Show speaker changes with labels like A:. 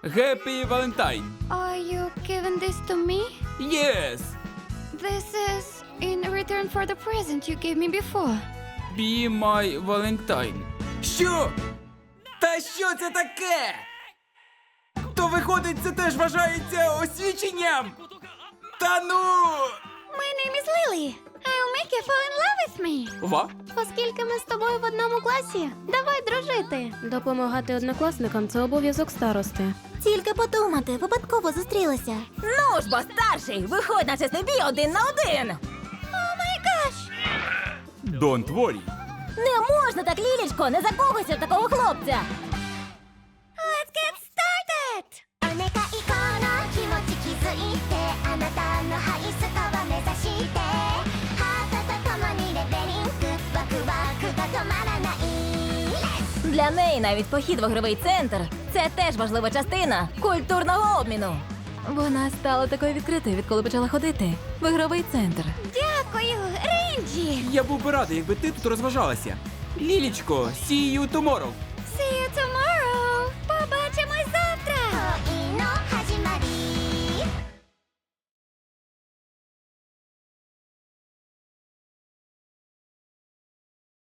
A: Happy Valentine.
B: Are you giving this to me?
A: Yes.
B: This is in return for the present you gave me before.
A: Be my Valentine. Що? Та що це таке? То виходить, це теж вважається освіченням? Та ну!
B: My name is Lily. I'll make you fall in love with me.
A: Ва?
C: Оскільки ми з тобою в одному класі, давай дружити. Допомагати однокласникам – це обов'язок старости.
D: Тільки подумати, випадково зустрілися.
E: Ну ж бо, старший, виходь на чесний бій 1 на 1.
A: Don't worry.
E: Не можна так, Лілічко, не закохуйся в такого хлопця.
B: Let's get started!
D: お願いこの気持ち気づいてあなたのハイスコア目指してハートと共にレベリングワクワクが止まらない
E: Для неї навіть похід в ігровий центр – це теж важлива частина культурного обміну. Вона стала такою відкритою, відколи почала ходити в ігровий центр.
B: Дякую, Рейнджі!
A: Я був би радий, якби ти тут розважалася. Лілічко, see you tomorrow.